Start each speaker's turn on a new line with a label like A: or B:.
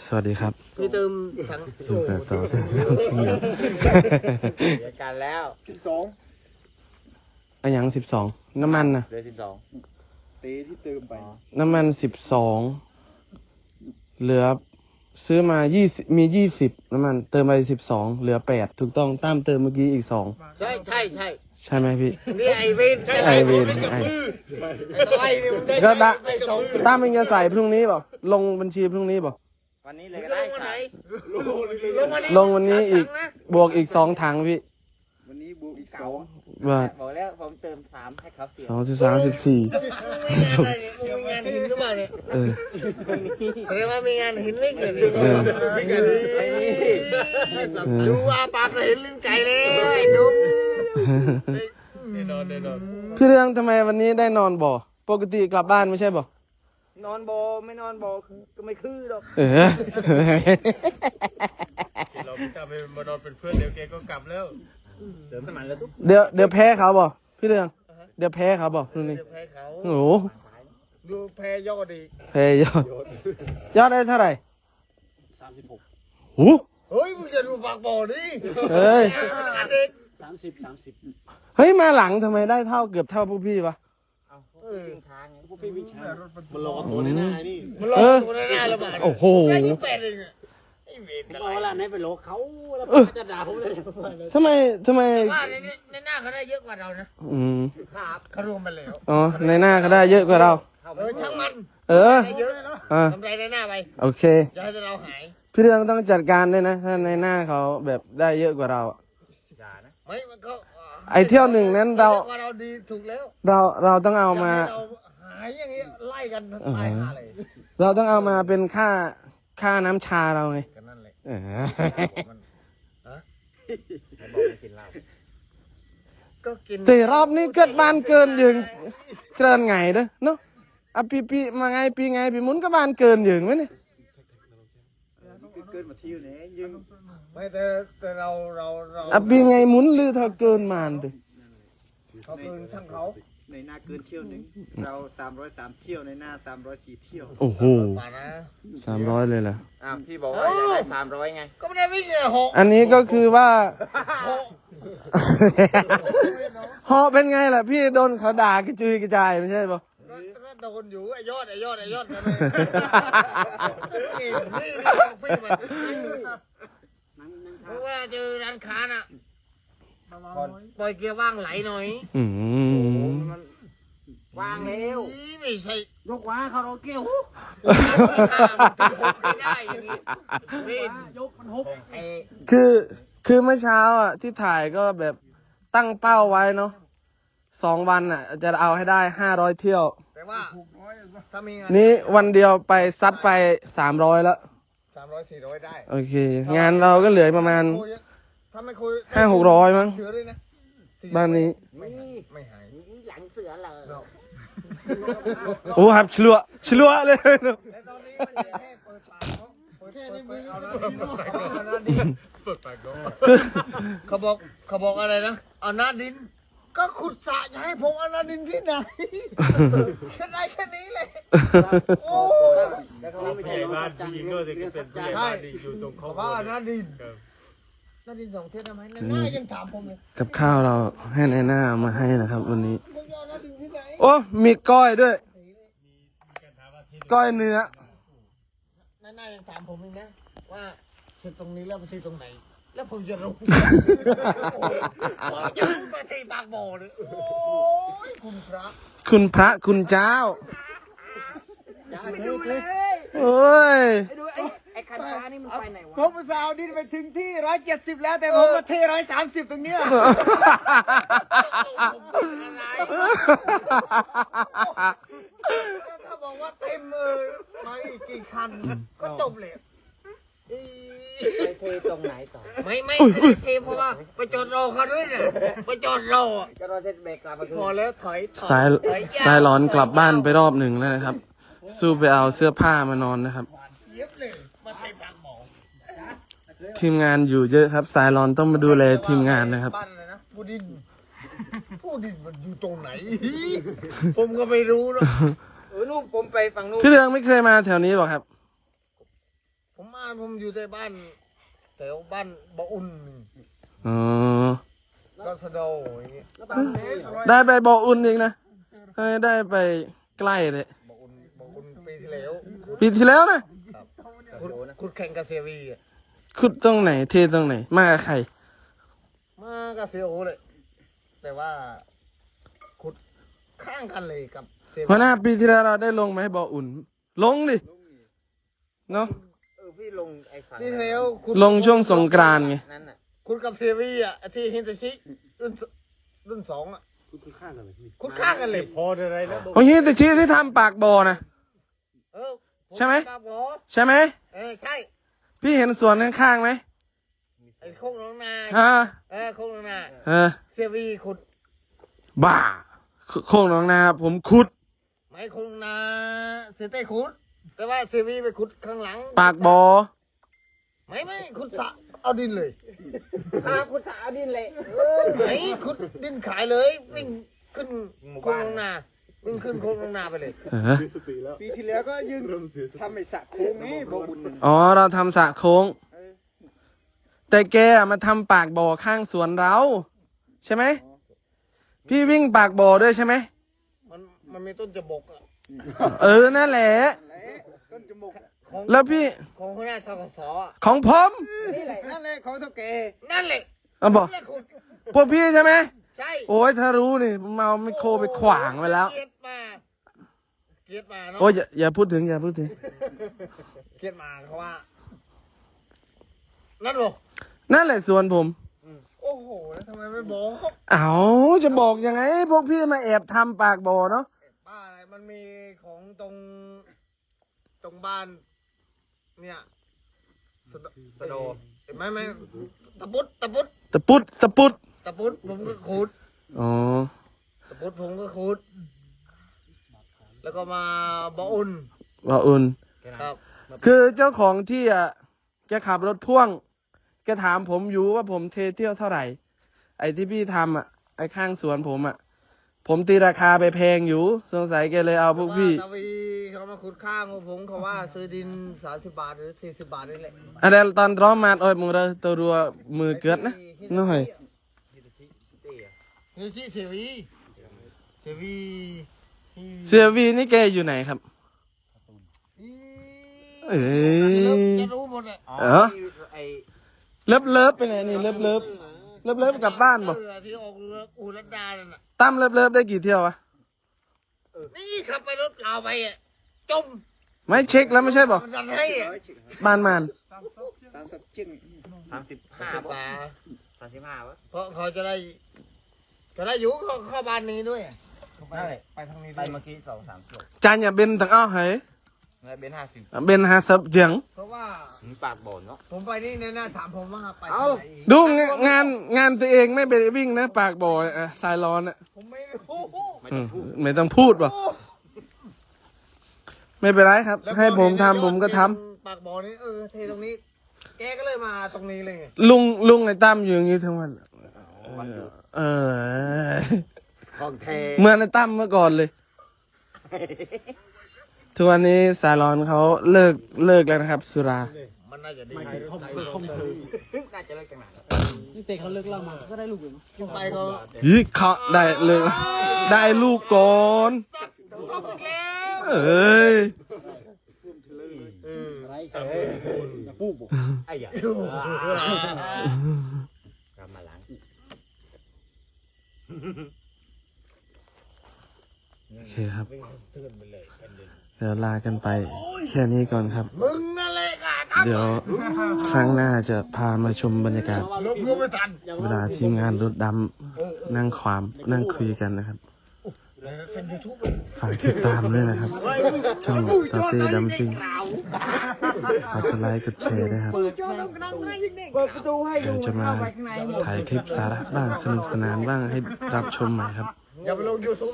A: วัสดีครับ
B: พี่เติมทั้ง
A: ดูกันต่อสิ่งอย่าง
B: เดียวกันแล้ว
A: อันยัง12น้ำมันนะ
B: เหลือ
C: ตีที่เติมไป
A: น้ำมัน12เหลือซื้อมา20มี20น้ำมันเติมไป12เหลือ8ถูกต้องตามเติมเมื่อกี้อีก2
B: ใช่
A: ใช่ไหมพี่
B: นี่ไอเวน
A: ไอเวนไอ
B: ไอเนี่ยมันได้
A: ก็ได้
B: ไปสอง
A: ตามเป็นจะใส่พรุ่งนี้เปล่าลงบัญชีพรุ่งนี้เปล่า
B: วันนี้เลยก็ได้
C: ลง
A: ลงวันนี้อีกบวกอีก2ถังพี่
C: วันนี้บวกอีก2
A: ว่า
B: บอกแล้วผมเติม3ให้เขาเสีย
A: 2 13 14
B: มีงานหินหรือเปล่าเนี่ย
A: เออ
B: เรียกว่ามีงานหินลิงเลย
A: เออ
B: ดูว่าปากก็เห็นลิ้นไก่เลยดูแน่นอน
A: พี่เรื่องทำไมวันนี้ได้นอนบ่ปกติกลับบ้านไม่ใช่บ่
B: นอนโบไม่นอนโบก็ไม่คือหรอก
A: เออ
D: เราไม่ทำให้มานอนเป็นเพื่อนเดี๋ยวแกก็กลับแล้ว
B: เติมน้ำมันแล้วทุก
A: เดี๋ยวแพ้เขาบ่พี่เรื่องเดี๋ยวแพ้เขาบ่พรุ่งนี้
B: แพ้เขา
A: โอ้โห
B: ดูแพ้ยอดดี
A: แพ้ยอดได้เท่าไหร่36หู
B: เฮ้ยมึงจะดูปากโบดิ
A: เฮ้ย
C: 30
A: เฮ้ยมาหลังทำไมได้เกือบเท่าพวกพี่วะ
B: ช้าไง
C: พวกพี่วิ่งช้ามันรอตัวในหน้านี่
B: มันลงตัวหน้าแล้วบ้า
A: โอ้โห
B: ได้ยี่สิบแปดเองอะไอ้เวร
C: ผมบอกว่าร้านไหนไปโลเขาแล้วจะด่าผมเลย
A: ทำไม
B: ว่าในหน้าเขาได้เยอะกว่าเรานะ
A: อืม
B: ครับเขารวมมาแล้ว
A: อ๋อในหน้าเขาได้เยอะกว่าเรา
B: ช่างมัน
A: เออ
B: ได้เยอะ
A: อ่ะ
B: ทำไรในหน้าไป
A: โอเค
B: อย่าให้เราหาย
A: พี่เรื่องต้องจัดการด้วยนะถ้าในหน้าเขาแบบได้เยอะกว่าเราอะ
B: ไม่มันก็
A: ไอเที่ยวหนึ่งนั้นเรา
B: ว่าเราดีถูกแล้ว
A: เราต้องเอามา
B: อย่ให้เราหายอย่างเงี้ยไล่กันตายหาเลย
A: เราต้องเอามาเป็นค่าน้ำชาเราไง
B: กันนั่นแหละ
A: เออ
B: ให้บอกไม่กินเหล้าก็กิน
A: แต่รอบนี้เกิดบ้านเกินยืงเกินไงเด้อเนาะอ่ะปีมาไงปีไงปีหมุนก็บ้านเกินยืงไหมเนี่ย
C: เกินมาเที่ยวไหนยิง
B: ไม่แต่เรา
A: อ่ะปีไงหมุนหรือถ้าเกินมานเด้อ
B: เขาคืนช่างเขา
C: ในหน้าเกินเที่ยวหนึ่งเรา303เที่ยวในหน้า304เที่ยว
A: โอ้โห
B: มานะ
A: 300เลยเหรอ
B: อ้าวพี่บอกว่าอยากได้300ไงก็ไม่ได้วิ่งเลยหก
A: อันนี้ก็คือว่า
B: หก
A: ฮอเป็นไงล่ะพี่โดนเขาด่ากระจุยกระจายไม่ใช่ปะ
B: ก็โดนอยู่ไอ้ยอดกันเลยนี่พี่มันเพราะว่าเจอร้านค้าน่ะปล่อยเกียร์ว่างไหลหน่อย
A: อืม
B: วางแล้วไม่ใช่
C: ยกว้าเขาเราเกี้ยว
B: ไม่ได้อย่างนี้วิ่ง
C: ยกมันฮุบ
B: ไอ้
A: คือเมื่อเช้าอ่ะที่ถ่ายก็แบบตั้งเป้าไว้เนาะ2 วันอ่ะ จะเอาให้ได้500เที่ยว
B: แต่ว่าถ้ามีงาน
A: นี้วันเดียวไปซัดไป300แล้ว
B: 300-400ได้
A: โอเค งานเราก็เหลือประมาณ
B: ถ้าไม่คุย
A: 500-600มั้ง
B: เสือด้วยนะ
A: บ้านนี้
B: ไม่หาย
C: หลังเสือเลย
A: โอ้ครับฉลัวเลย
B: แต่ตอนนี้มันแค่เปิดปากเนาะเปิดแค่นี้มือเอาหน้าดิน
D: เปิดปากน้อง
B: เขาบอกอะไรนะเอาหน้าดิน ก็ขุดสระจะให้ผมเอาหน้าดินที่ไหนแค่ได้แค่นี้เลยโอ้
C: แล้วก็
D: ผู้
C: ไม่
D: ให
C: ใช่
D: ญ่
C: รถ
D: บ้าน
C: จั
D: ผู้
C: ง
D: หญิงด้วยที่เป็นผู้ใหญ่บ้านที่อยู่ตรงเขา
B: ว่าหน้าดิน
D: ครับ
B: หน้าดิน2 เท่าได้ไหมหน้ายังถามผมเลย
A: กับข้าวเราให้ในหน้ามาให้นะครับ วันนี้
B: ผมจะเอาหน้าดินที่ไหน
A: โอ้มีก้อยด้วย ก้อยเนื้อ
B: หน้ายังถามผมเองนะว่าซื้อตรงนี้แล้วไปซื้อตรงไหน แล้วผมจะรู้ผมจะรู้มาที่บางบ่อเลยโอ้ยคุณพระ
A: คุณพระคุณเจ้า
B: ไปดูเลย
A: โอ้ย
C: ไปดูไอ้คันฟ้านี่มันไปไหนวะ
B: ผมอุตส่าห์เอาดินไปถึงที่170แล้วแต่ผมมาเท130ตรงเนี้ยถ้าบอกว่าเต็มมาอีกกี่คันก็จบเลย
C: ไปเทตรงไหนต่อ
B: ไม่ได้เทเพราะว่าไปจอดรอเขาด้วยเนี่ยไปจอดรอ
C: จะรอเทสเบรกกลับมาคืน
B: พอแล้วถอย
A: สายร้อนกลับบ้านไปรอบหนึ่งแล้วนะครับ สู้ไปเอาเสื้อผ้ามานอนนะครับ
B: เย็บเลยมาเทบางหมอ
A: ทีมงานอยู่เยอะครับ สายร้อนต้องมาดูแลทีมงานนะครับ
B: บ้านอะไรนะผู้ดินมันอยู่ตรงไหน ผมก็ไม่รู้เนอะ
C: นู่นผมไปฝั่งนู่น
A: พี่เรืองไม่เคยมาแถวนี้หรอครับ
B: ผผมอยู่ในบ้านแถวบ้านบ่ออุ่น
A: อ๋อ
B: ก็สะโดอย่างเงี้ย
A: ได้ไปบ่ออุ่นอีกนะได้ไปใกล้เลย
B: บ่ออุ่นปีที่แล้ว
A: ปีที่แล้วนะ
B: ครับขุดแข่งกับเซวีอ่ะ
A: ขุดตรงไหนเทตรงไหน มากับใคร
B: มากับเซโอเลย แต่ว่าขุดข้างกันเลยกับเซวี
A: หัวหน้าปีที่แล้วเราได้ลงไหมบ่ออุ่น ลงดิ เนาะ
C: พี่ลงไอ้ฝั่ง
B: ปีที่แล้วขุด
A: ลงช่วงสงกรานต์ไง
C: นั่นน่ะ
B: ขุดกับเซวีอ่ะที่ฮินตาชิรุ่นสองอ่ะ
C: คือข้างกันเลยพี่
B: ขุดข้างกันเลย
D: พออะไรแล้ว
A: โอ้ยแต่ชี้ที่ทำปากบ่อนะ
B: เออ
A: ใช่ไหม
B: ปากบ่อ
A: ใช่ไหม
B: ใช่
A: พี่เห็นสวนข้างๆไหม
B: ไอ้โคกน้องนา
A: ฮะ
B: โคกน้องนา เซวีขุด
A: บ้าโค้งหน้องนาผมขุด
B: ไม่โคกน้องนาเซเต้ขุด แต่ว่าเซวีไปขุดข้างหลัง
A: ปากบ่อ
B: ไม่ขุดสระเอาดินเลย
E: ขุดสระเอาดินเลย
B: ไหนขุดดินขายเลยวิ่งขึ้นโคกน้องนาวิ่งขึ้นโคกน้องนาไปเลย
C: ปีที่แล้วก็ยืนทำไอ้สระโค้งนี่บ่อุ่น
A: อ๋อเราทำสระโค้ง แต่แกอะมาทำปากบ่อข้างสวนเรา ใช่ไหม พี่วิ่งปากบ่อด้วยใช่ไหม
B: มันมีต้นจบกอะ
A: นั่นแหละ
C: ต้นจมูก
B: ของ
A: แล้วพี่
B: ของหัวหน้าทกสอะ
A: ของผม
B: นี่แหละ
C: นั่นแหละของเท่าแก
B: นั่นแหละ
A: เอาบอก
B: นั่นแหละขุด
A: พวกพี่ใช่ไหม
B: ใช่
A: โอ้ยถ้ารู้นี่ผมเอาไมโครไปขวางไว้แล้ว
B: เกลียดมาเนาะ
A: โอ้ยอย่าพูดถึงอย่าพูดถึง
B: เกลียดมาเขาว่า นั่นบอก
A: นั่นแหละสวนผม
B: โอ้โหแล้วทำไมไม่บอก
A: เอาจะบอกยังไง พวกพี่มาแอบทำปากบ่อเนาะ
B: บ้าอะไรมันมีของตรงบ้าน เนี่ยสะโดเห็นไหมตะปุด
A: ตะปุดตะปุด
B: ผมก็ขุด
A: อ๋อ
B: ตะปุดผมก็ขุด แล้วก็มาบ่ออุ่น
A: บ่ออุ่น
B: ครับ
A: คือเจ้าของที่อ่ะแกขับรถพ่วง แกถามผมอยู่ว่าผมเทเที่ยวเท่าไหร่ ไอ้ที่พี่ทำอ่ะ ไอ้ข้างสวนผมอ่ะ ผมตีราคาไปแพงอยู่ สงสัยแกเลยเอาพวกพี่
B: ตะวีเขามาขุดข้างของผมเขาว่าซื้อดิน30 บาทหรือ40 บาทนี่แหละ
A: อันเดลตอนร้อมมาโอ้ยมึงเราตัวรัวมือเกิดนะน้อย
B: นี่ที่เสวี
A: เสียวีนี่แกอยู่ไหนครับ เอ้ย
B: จะรู้หมดเลย
A: เออ
C: ไอ้
A: เลิฟไปไหนนี่เลิฟกลับบ้านบ่
B: ที่ออกเรืออูรัตดานั่นน่ะ
A: ตั้มเลิฟได้กี่เที่ยววะ
B: นี่ขับไปรถเปล่าไปอ่ะจม
A: ไม่เช็คแล้วไม่ใช่บ่
B: มันดันให้อ่ะ
A: บ้านมาน
C: 30จึง
B: 35 บาท
C: 35วะ
B: เพราะเขาจะได้อยู่เข้าบ้านนี้ด้วยได้ไปทางนี้
C: ไปเมื่อกี้2-3กิโล
A: จานอย่าเบนตั้งอ้อเหย
C: แล้วเบน50
A: เบนหาซับเจียง
B: เพราะว่า
C: ปากบ่อเนาะ
B: ผมไปนี่ในหน้าถามผมว่าไป
C: เอ้า
B: ทางไหนอีก
A: ดูงานตัวเองไม่ไปวิ่งนะ ปากบ่อสายร้อนอ่ะ
B: ผมไม่รู้
A: ไม่ต้องพูดบ่ไม่เป็นไรครับ ให้ผมทำผมก็ทำ
B: ปากบ่อนี่เทตรงนี้ แกก็เลยมาตรงนี้เลยไง
A: ลุงไอ้ตั้มอยู่อย่างนี้ทั้งวันเออ
C: ของแท้
A: เหมื่อนไอ้ตั้มเมื่อก่อนเลย ทุกวันนี้สายร้อนเขาเลิกแล้วนะครับ สุรา
B: มันน่าจะดี
C: น่าจะเลิกจังหวะ
E: นี่เตะเขาเลิกเล่ามาก็ได้ลูกอยู่
B: ไปก็
A: ยี่เขาได้เลยได้ลูกก่อน
B: สัตว์ชอบอีกแล้ว
A: เอ้ย
E: อะไรอย่าพูดบอก
C: ไอ้ยากลับมาล้าง
A: โอเคครับ
B: วิ่งเตือนไปเลยเป็นดิน
A: เดี๋ยวลากันไปแค่นี้ก่อนครับ
B: มึงนั่นแหละค่ะ
A: เดี๋ยวครั้งหน้าจะพามาชมบรรยากาศ
B: ลบกูไม่ทัน
A: เวลาทีมงานรถดำนั่งความนั่งคุยกันนะครับ
B: เป็นยูทูบ
A: ฝากติดตามด้วยนะครับ ช่องตาเต้ดำซิงฝากกดไลค์กดแชร์ด้วยครับ
E: เปิดประตูให้
A: เดี๋ยวจะมาถ่ายคลิปสาระบ้างสนุกสนานบ้างให้รับชมใหม่ครับ
B: อย่าไปลงยูทูบ